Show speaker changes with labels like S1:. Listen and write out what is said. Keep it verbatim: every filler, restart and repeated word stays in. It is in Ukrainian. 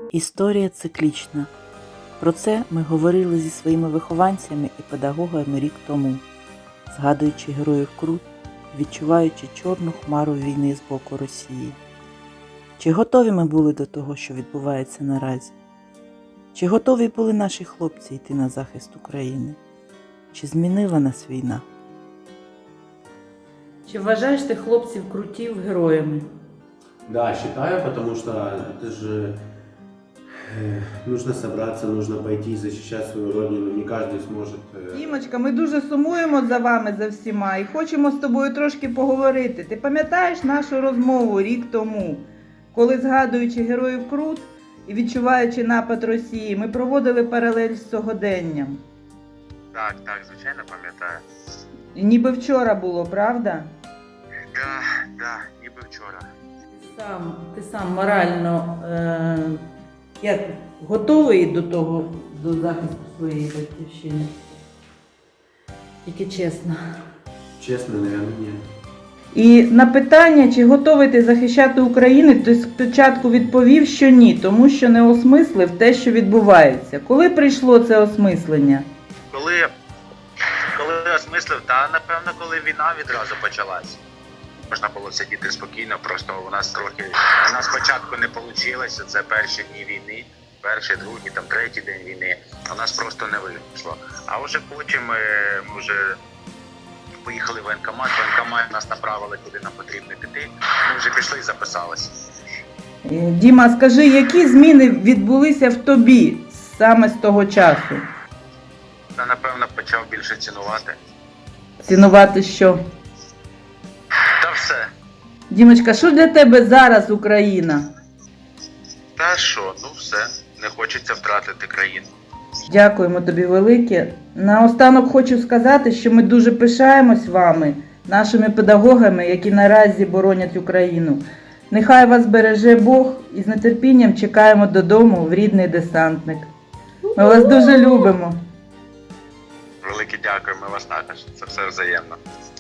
S1: Історія циклічна. Про це ми говорили зі своїми вихованцями і педагогами рік тому, згадуючи героїв Крут, відчуваючи чорну хмару війни з боку Росії. Чи готові ми були до того, що відбувається наразі? Чи готові були наші хлопці йти на захист України? Чи змінила нас війна? Чи вважаєш ти хлопців Крутів героями?
S2: Да, считаю, потому что это же э, нужно собраться, нужно пойти и защищать свою родину. Не каждый сможет. Э...
S3: Дімочка, ми дуже сумуємо за вами, за всіма, і хочемо з тобою трошки поговорити. Ти пам'ятаєш нашу розмову рік тому, коли, згадуючи героїв Крут і відчуваючи напад Росії, ми проводили паралель з сьогоденням?
S4: Так, так, звичайно пам'ятаю.
S3: І ніби вчора було, правда?
S4: Да, да, ніби вчора.
S1: Сам, ти сам морально е, як, готовий до того, до захисту своєї батьківщини? Тільки чесно.
S2: Честно, наверное, нет.
S3: І на питання, чи готовий ти захищати Україну, ти спочатку відповів, що ні, тому що не осмислив те, що відбувається. Коли прийшло це осмислення?
S4: Коли, коли осмислив, та напевно, коли війна відразу почалась. Можна було сидіти спокійно, просто у нас трохи, у нас спочатку не вийшло, це перші дні війни, перший, другий, там, третій день війни, у нас просто не вийшло. А вже потім ми, ми вже поїхали в воєнкомат, воєнкомат нас направили, куди нам потрібно піти, ми вже пішли і записалися.
S3: Е, Діма, скажи, які зміни відбулися в тобі саме з того часу?
S4: Я, напевно, почав більше цінувати.
S3: Цінувати що?
S4: Та все.
S3: Дімочка, що для тебе зараз Україна?
S4: Та що, ну все, не хочеться втратити країну.
S3: Дякуємо тобі велике. Наостанок хочу сказати, що ми дуже пишаємось вами, нашими педагогами, які наразі боронять Україну. Нехай вас береже Бог і з нетерпінням чекаємо додому в рідний десантник. Ми вас дуже любимо.
S4: Велике дякую, ми вас також. Це все взаємно.